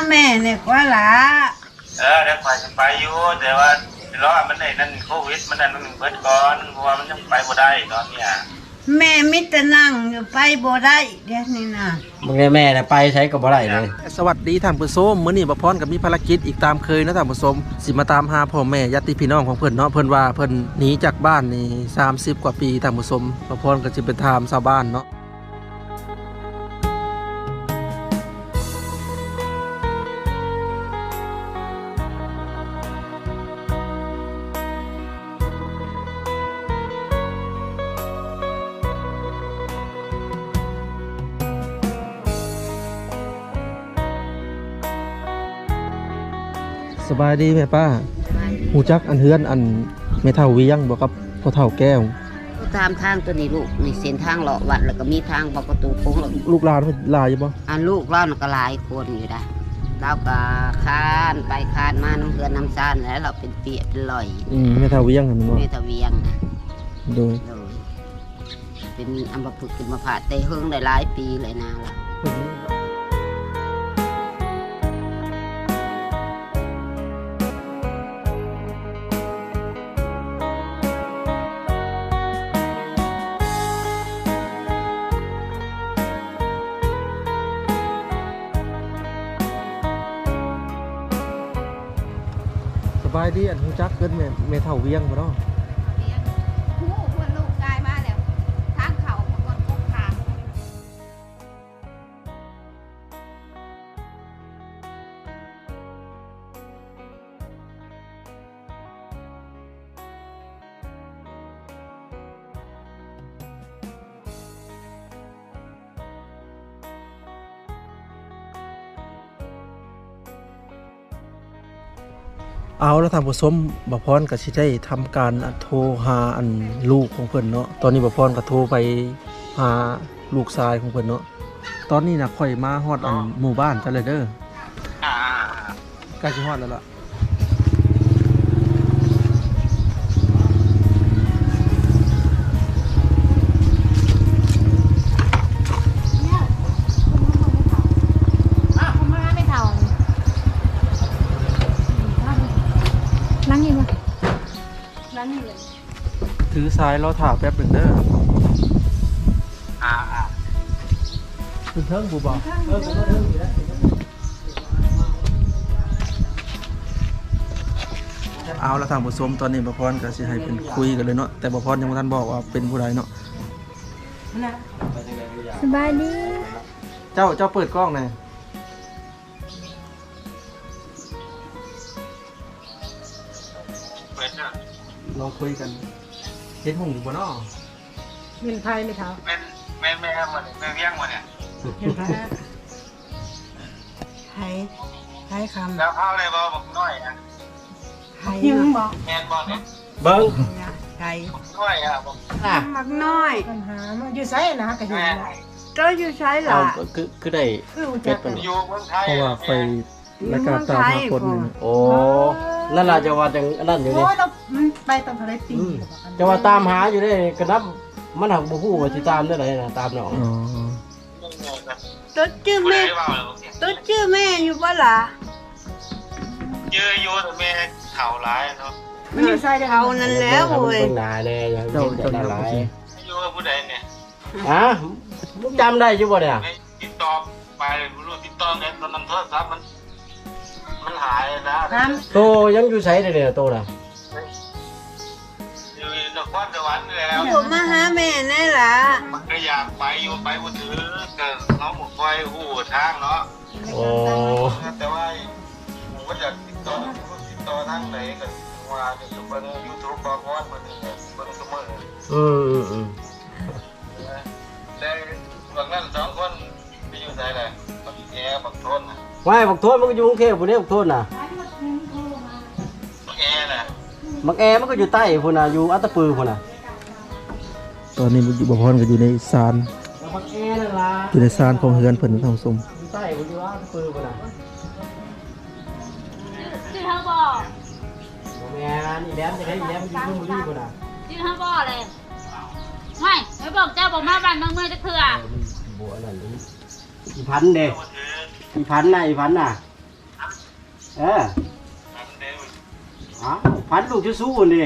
แม่เนี่ยกว่าละเดี๋ยวไปไปอยู่แต่ว่าล้อมันไอ้นั่นโควิดมันนั่นมันเบิดก่อนเพราะว่ามันยังไปบ่ได้ตอนเนี้ยแม่มิตรนั่งอยู่ไปบ่ได้เดี๋ยวนี้นะมึงแม่น่ะไปใช้กับบ่ได้เลยสวัสดีท่านผู้ชมมื้อนี้บ่พรกับมีภารกิจอีกตามเคยนะท่านผู้ชมสิมาตามหาพ่อแม่ญาติพี่น้องของเพิ่นเนาะเพิ่นว่าเพิ่นหนีจากบ้านนี่30กว่าปีท่านผู้ชมบ่พรก็สิไปถามชาวบ้านเนาะสบายดีแม่ป้าหูจักอันเฮือนอันแม่เฒ่าเวียงบ่ครับพ่อเฒ่าแก้วตามทางตัวนี้ลูกนี่เส้นทางเลาะวัดแล้วก็มีทางประตูโค้งลูกหลานหลายอยู่บ่ลูกเราก็หลายคนอยู่ได้เราก็คานไปคานมาน้ำเฮือนน้ำซ่านแล้วเราเป็นเปียเป็นลอยแม่เฒ่าเวียงหั่นบ่แม่เฒ่าเวียงนะโดยเป็นอัมพฤกษ์เป็นมะพร้าวแต่เฮิงได้หลายปีเลยนะล่ะสบายดีอันหูจักเกินแม่เฒ่าเวียงบ่เนาะเอาแล้วท่านผู้ชมบ่พรก็สิได้ทำการโทรหาอันลูกของเพิ่นเนาะตอนนี้บ่พรก็โทรไปหาลูกชายของเพิ่นเนาะตอนนี้น่ะค่อยมาฮอดอันหมู่บ้านจังเลยเด้อใกล้สิฮอดแล้วล่ะถือสายรอถ่าแป๊บนึงเด้อถึงเทิงบูบอกเอาละทางผู้ชมตอนนี้บ่พรก็สิให้เป็นคุยกันเลยเนาะแต่บ่พรยังบ่ทันบอกว่าเป็นผู้ใดเนาะสบายดีเจ้าเปิดกล้องหน่อยลองคุยกันเห็นหงอยู่บนอ้อเป็นไทยไหมครับแม่แม่มันแม่เวียงมันเนี่ยเป็นไทยไทยคำแล้วเข้าเลยบ่บอกน้อยอ่ะไทยยังบอกแม่นบ่เนี่ยเบิ่งไทยน้อยอ่ะบอกมักน้อยปัญหามันอยู่ไสนะก็เห็นได้ก็อยู่ไสล่ะคือได้เป็ดอยู่เมืองไทยเพราะว่าไปรายการตามหาคนโอ้นั่นล่ะจะว่าจังนั่นอยู่นี่มันไปตามทะเลปีจะว่าตามหาอยู่ได้กระนับมันหักบ่ฮู้ว่าสิตามได้ไดน่ะตามน้องตัวชื่อแม่อยู่บ่ล่ะชื่ออยู่แต่แม่เฒ่าหลายเนาะมันอยู่ไสเฒ่านั่นแล้วโว้ยนายแน่ยังเจ้าหลายอยู่กับผู้ใดเนี่ยมึงจำได้อยู่บ่เนี่ยติดต่อไปบ่รู้ติดต่อกันตอนนั้นโทรศัพท์มันหายนะโตยังอยู่ไสเด้อโตน่ะอยู่นครสวรรค์แล้วอยู่มาหาแม่แน่ล่ะมันก็อยากไปอยู่ไปบ่ถือก็น้องบ่ค่อยฮู้ทางเนาะโอ้แต่ว่าผมก็อยากติดต่อทางไหนก็ว่าจะเบิ่ง YouTube บ่พอดมันเบิ่งเสมอแต่บางนั้น2คนไปอยู่ไสแหละบักแย่บักโทนน่ะว่าบักโทนมันก็อยู่กรุงเทพพุ่นเด้บักโทนน่ะบักแอน่ะบักแอมันก็อยู่ใต้พุ่นน่ะอยู่อัตตปือพุ่นน่ะตอนนี้บ่พรก็อยู่ในศาลบักแอนั่นล่ะอยู่ในศาลของเฮือนเพิ่นท่านผู้ชมอยู่ใต้พุ่นอยู่อัตตปือพุ่นน่ะชื่อเฮาบ่แม่นี่แหลมจะได้แหลมอยู่บุรีพุ่นน่ะชื่อเฮาบ่เลยไม่ไปบอกเจ้าบอกมาบ้านเมืองจักเทื่อบ่นั่นอีพันเด้อีพันน่ะอันเดียวอ้าวพันลูกจะสู้นี่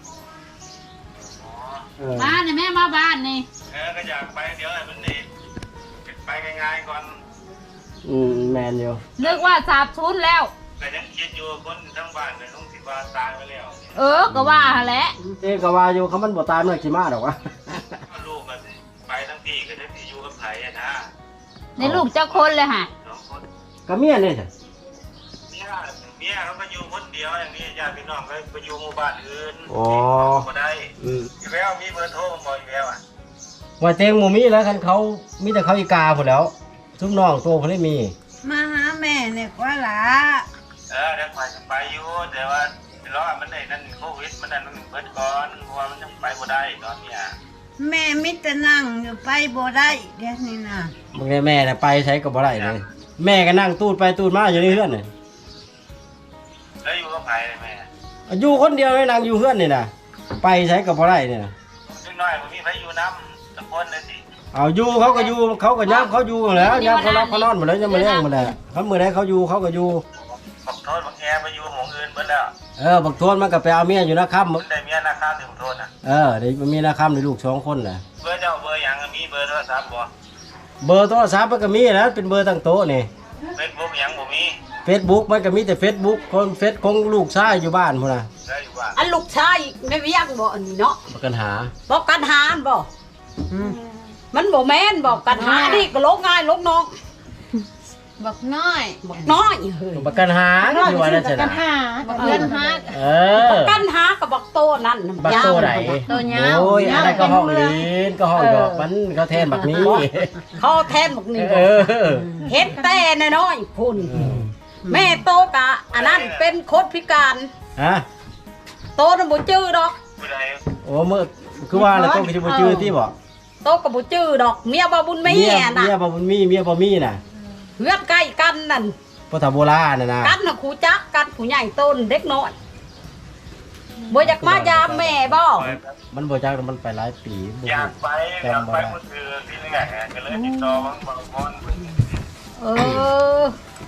มาเนี่ยแม่มาบ้านนี่ก็อยากไปเดี๋ยวไอ้มันนี่ไปง่ายๆก่อนแมนอยู่นึกว่าสาบชุนแล้วแต่ยังคิดอยู่คนทั้งบ้านเลยต้องสิว่าตายไปแล้วก็ว่าแหละก็ว่าอยู่เขามันบ่ตายมันสิมาดอกวะลูกมันไปทั้งพี่ก็ได้พี่อยู่กับไผนะในลูกเจ้าคนเลยฮะ 2 คนก็เมียนี่จ้ะเมียเขาก็อยู่คนเดียวอย่างนี้ญาติพี่น้องก็ไปอยู่หมู่บ้านอื่นก็ได้อยู่แล้วมีเบอร์โทรบ่อยู่แล้วอ่ะว่าเต็งหมู่มีแล้วคันเขามีแต่เขาอีกาพุ่นแล้วซุมน้องตัวเพิ่นได้มีมาหาแม่เนี่ยกว่าล่ะเดี๋ยวไปอยู่แต่ว่าล้อมันได้นั่นโควิดมันนั่นมันเบิดก่อนเพราะว่ามันยังไปบ่ได้ตอนเนี้ยแม่มิตรนั่งอยู่ไปบ่ได้เดี๋ยวนี้นะมึงได้แม่น่ะไปใช้ก็บ่ได้เลยแม่ก็นั่งตูดไปตูดมาอยู่ในเฮือนนี่แล้วอยู่กับไผเลยแม่อยู่คนเดียวเลยนั่งอยู่เฮือนนี่น่ะไปใช้ก็บ่ได้นี่น่ะซึ่งน้อยมันมีไผอยู่น้ำตะคนเลยสิเอาอยู่เขาก็อยู่เขาก็ย้ำเขาอยู่แล้วย้ำเขารับเขานอนหมดแล้วยังมาเลี้ยงหมดแล้วเขาเมื่อไรเขาอยู่เขาก็อยู่บักโทษบักแอไปอยู่หมู่อื่นเบิดแล้วบักโทนมันก็ไปเอาเมียอยู่นะครับมันได้เมียนาคาถึงโทษน่ะเดี๋ยวมันมีนะครับในลูก2 คนน่ะเบอร์เจ้าเบอร์หยังมีเบอร์โทรศัพท์บ่เบอร์โทรศัพท์มันก็มีนะเป็นเบอร์ตั้งโต๊ะนี่ Facebook หยังบ่มี Facebook มันก็มีแต่ Facebook คนเฟซของลูกชายอยู่บ้านพุ่นน่ะได้อยู่บ้านอันลูกชายไม่เวียงบ่อันนี้เนาะประกันหาบอกกันหาบ่มันบ่แม่นบอกกันหานี่ก็ลกง่ายลกน้องบักน้อยบอกน้อยเฮ้ยประกันหาอยู่ว่านั่นสินะบักเงินฮักกันหากับบอกโตนั่นบักโตไหนตัวยาวโอ้ยอะไรก็ห้องลีนก็ห้องดอกมันเขาแทนบักนี้เขาแทนบอกนี่เออเฮ็ดแต่น้อยๆพุ่นแม่โตกะอันนั้นเป็นคนพิการฮะโตน่ะบ่จื้อดอกผู้ใดโอ้เมื่อคือว่าแล้วต้องคิดบ่ชื่อที่บ่โตก็บ่จื้อดอกเมียบ่บุญแม่น่ะเมียบ่มีน่ะเฮือนใกล้กันนั่นพุทธโบราณน่ะนะกันน่ะครูจักกันผู้ใหญ่โตนเด็กน้อยบ่อยากมายามแม่บ่มันบ่จักมันไปหลายปีบ่อยากรู้ไปเมื่อคืนที่นี่ไงก็เลยติดต่อบางคนเออ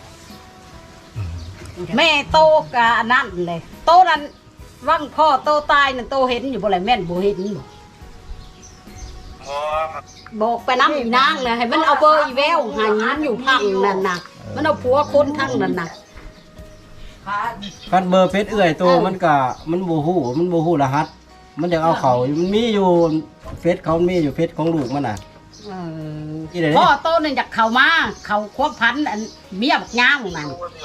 แม่โตกะอันนั้นเลยโตนั้นวังพ่อโตตายนั่นโตเห็นอยู่บ่แลแม่นบ่เห็นบ่ บอกไปน้ำอีนางเลยให้มันเอาเบอร์อีแววหายินอยู่พังนั่นน่ะมันเอาผัวคนทั้งนั่นน่ะคันเบอร์เฟซเอื้อยตัวมันก็มันบ่ฮู้รหัส มันอยากเอาเขามันมีอยู่เฟซเขามีอยู่เฟซของลูกมันน่ะ ที่ไหนพ่อโตนั่นอยากเข้ามาเข้าควบพันอันเมียบักย่างนั่น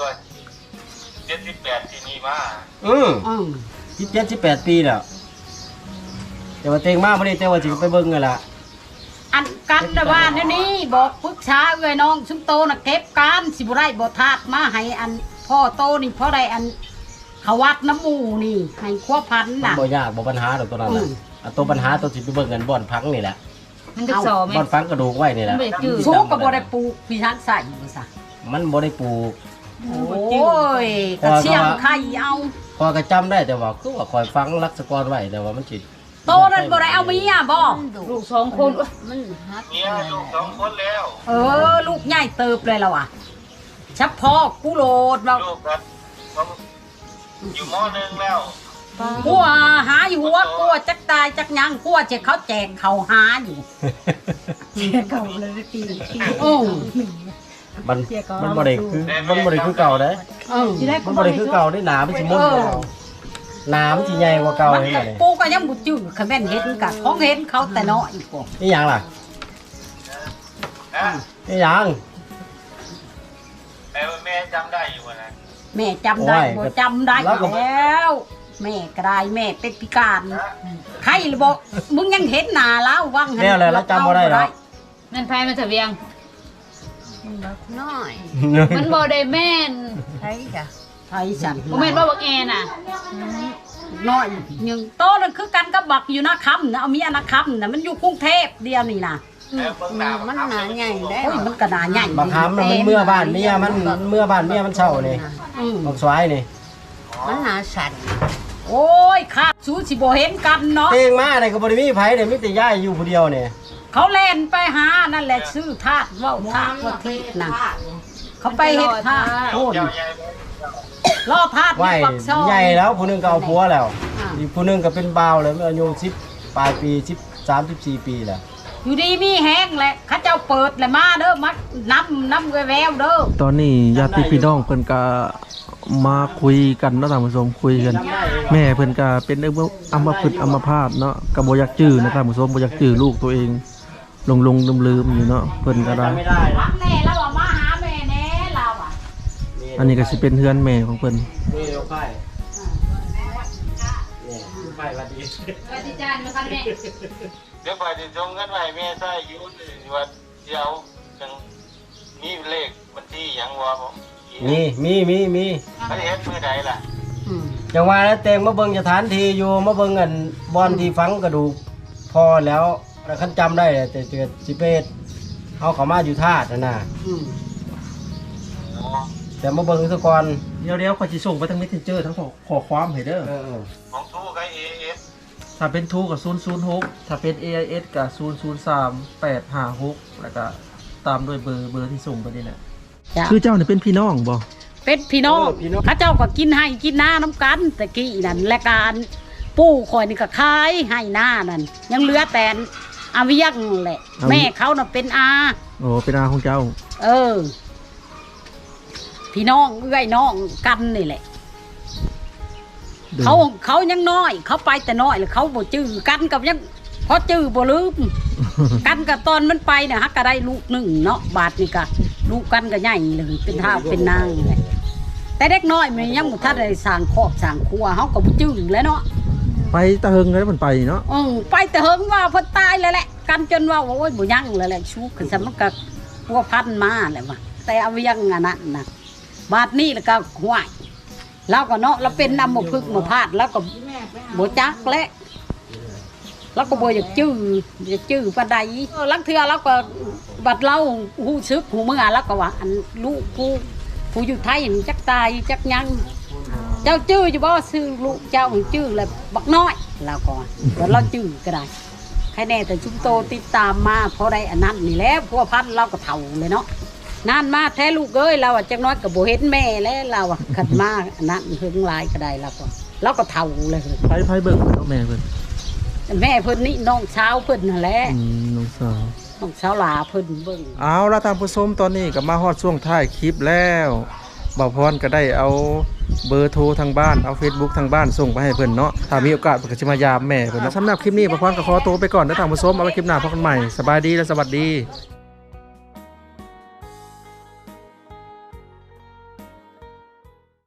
78ที่นี่มา 17 18 ปีแล้วแต่ว่าเต็งมากบ่ได้แต่ว่าสิไปเบิ่งนั่นล่ะอันกันนะว่านี่บอกปรึกษาเอ้ยน้องซุมโตน่ะเก็บการสิบ่ได้บ่ทาดมาให้อันพ่อโตนี่พ่อได้อันเขาวัดน้ำหมูนี่ให้ควบพันมันน่ะบ่ยากบ่ปัญหาดอกตัวนั้นน่ะตัวปัญหาตัวสิไปเบิ่งกันบ่อนพังนี่แหละมันจะสอไหมบ่อนฟังกระดูกไว้นี่แหละไม่จืดสู้ก็บ่ได้ปลูกพี่ทันใส่บ่ซะมันบ่ได้ปลูกโอ้ยก็เชี่ยงไข่เอาพอก็จำได้แต่ว่าคือว่าคอยฟังลักษกรไว้แต่ว่ามันสิโตนั่นบ่ได้เอาเมียบ่ลูก2 คนอุ๊ยมันฮักเมียลูก2 คนแล้วลูกใหญ่เติบเลยแล้วอ่ะเฉพาะกูโลดเราลูกก็อยู่ม.1แล้วกลัวหาอยู่หัวกลัวจักตายจักยังกลัวจะเขาแจกเขาหาอยู่โอ้มันบ่ได้คือเก่าเด้ มันบ่ได้คือเก่าได้หนามันสิมุนกว่าเก่าหนามันสิใหญ่กว่าเก่ามันเห็นก็บ่นี่ปูก็ยังบ่จื้อคันแม่นเห็นกะของเห็นเขาแต่น้อยกว่านี่หยังล่ะนะนี่หยังแม่จำได้อยู่นะแม่จำได้บ่จำได้แล้วแม่ก็ได้แม่เป็นพิการใครเลยบอกมึงยังเห็นหน้าแล้ววังแล้วแล้วจำบ่ได้หรอกนั่นไผมันจะเวียงบักน้อยมันบ่ได้แม่นใช่จ้ะไทยสั่นบ่แม่นว่าบักแอน่ะน้อยยังโตนั่นคือกันกับบักอยู่นะคำนะเอาเมียนะคำนะมันอยู่กรุงเทพเดียวนี่นะมันหนาใหญ่ได้โอ้ยมันกระดาใหญ่บักหำมันเมื่อบ้านเมียมันเช่านี่บักสวายนี่มันหนาสั่นโอ้ยขาดสูสิบ่เห็นกันเนาะเองมาเนี่ยก็บ่ได้มีไผเนี่ยมีแต่ย่ายอยู่ผู้เดียวเนี่ยเขาเล่นไปหานั่นแหละซื้อทาสเว้าทาสว่าทิศนะเขาไปเฮ็ดทาสโอนเจ้าใหญ่รอทาดไหวปักซอยใหญ่แล้วผู้หนึงก็เอาผัวแล้วอ่าอีกผู้หนึงก็เป็นบ่าวแล้วอายุ10ปลายปี13-14 ปีแล้วอยู่ดีมีแห้งแหละเขาเจ้าเปิดเลยมาเด้อมาน้ำแววเด้อตอนนี้ญาติพี่น้องเพิ่นก็มาคุยกันเนาะท่านผู้ชมคุยกัน แม่เพิ่นก็เป็นอัมพฤกษ์อัมพาตเนาะก็บ่อยากจื้อนะท่านผู้ชมบ่อยากจื้อลูกตัวเองลงลืมๆอยู่เนาะเพิ่นก็ได้ไม่ได้รันะกแน่แล้วว่ามาหาแม่แน่เราอ่ะอันนี้ก็สิเป็นเฮือนแม่ของเพิ่นนี่เดี๋ยวไผ่นี่ไผ่วัดดีปฏิจารย์มาคันแม่เดี๋ยวไปจะส่งเงินไปแม่ใส่อยู่ว่าเดี๋ยวจังมีเลขบัญชีหยังวะผมมีเขาจะเฮ็ดมือใดล่ะจังว่าแล้วเต็งมาเบิ่งสถานที่อยู่มาเบิ่งอันบอนที่ฝังกระดูกพอแล้วคันจำได้แต่เกิดสิเปดเอาเขามาอยู่ธาตุน่ะอ๋อแต่มาเบิ่งซะก่อนเดี๋ยวขอยสิส่งไปทาง Messenger ทั้งขอความให้เด้อของทูกับ AS ถ้าเป็นทูกับ006ถ้าเป็น AIS กับ003856แล้วก็ตามด้วยเบอร์ที่ส่งไปนี่แหละจ้ะคือเจ้าเนี่ยเป็นพี่น้องบ่เป็นพี่น้องเขาเจ้าก็กินให้กินหน้าน้ำกันตะกี้นั่นและการปู่คอยนี่ก็ขายให้หน้านั่นยังเหลือแต่อาเวียงแหละ แม่เขาน่ะเป็นอาโอ้เป็นอาของเจ้าเออ พี่น้องเอื้อยน้องกันนี่แหละ เขายังน้อย เขาไปแต่น้อยแล้วเขาบ่จื้อกันกับยังพอจื้อบ่ลืม กันกับตอนมันไปเนี่ยฮักก็ได้ลูกหนึ่งเนาะบาทนี่ก็ลูกกันก็ใหญ่เลยเป็นท้าวเป็นนางเลยแต่เด็กน้อยมันยังบ่ทันได้สร้างครอบสร้างครัวเฮาก็บ่จื้อแล้วเนาะไปตะเฮงแล้วมันไปเนาะไปแต่เฮิงว่าเพิ่นตายแล้วแหละกันจนว่าโอ้ยบ่ยังแล้วแหละชูขึ้นซะมันก็พัวพันมาแหละว่าแต่เอาเวียงอันนั้นน่ะบาทนี้แล้วก็ห้วยเราก็เนาะเราเป็นนำบ่พึกบ่พลาดแล้วก็บ่จักแล้วแล้วก็บ่อยากจื้อปานใดลังเทื่อเราก็บัดเราฮู้สึกฮู้เมื่อแล้วก็ว่าอันลูกผู้อยู่ไทยนี่จักตายจักยังเจ้าจื้ออยู่บ่ซื้อลูกเจ้าจื้อแล้วบักน้อยเราก็เดี๋ยวเราจื้อก็ได้ใครแน่แต่ชุมโตติดตามมาเพราะได้อันนั้นนี่แหละพัวพันเราก็เฒ่าเลยเนาะนานมาแท้ลูกเอ้ยเราอ่ะจักน้อยก็บ่เห็นแม่แล้วเราอ่ะขัดมาอันนั้นเฮิงหลายก็ได้เราก็เฒ่าเลยไผเบิ่งเนาะแม่เพิ่นแม่เพิ่นนี่น้องเช้าวเพิ่นนั่นแหละน้องสาวน้องเช้าวหลาเพิ่นเบิ่งเอาละท่านผู้ชมตอนนี้ก็มาฮอดช่วงท้ายคลิปแล้วบ่าวพรก็ได้เอาเบอร์โทรทางบ้านเอา Facebook ทางบ้านส่งไปให้เพิ่นเนาะถ้ามีโอกาสเพิ่นก็สิมายามแม่เพิ่นเนาะสำหรับคลิปนี้บ่าวพรก็ขอตัวไปก่อนนะท่านผู้ชมเอาไว้คลิปหน้าพบกันใหม่สบายดีและสวัสดี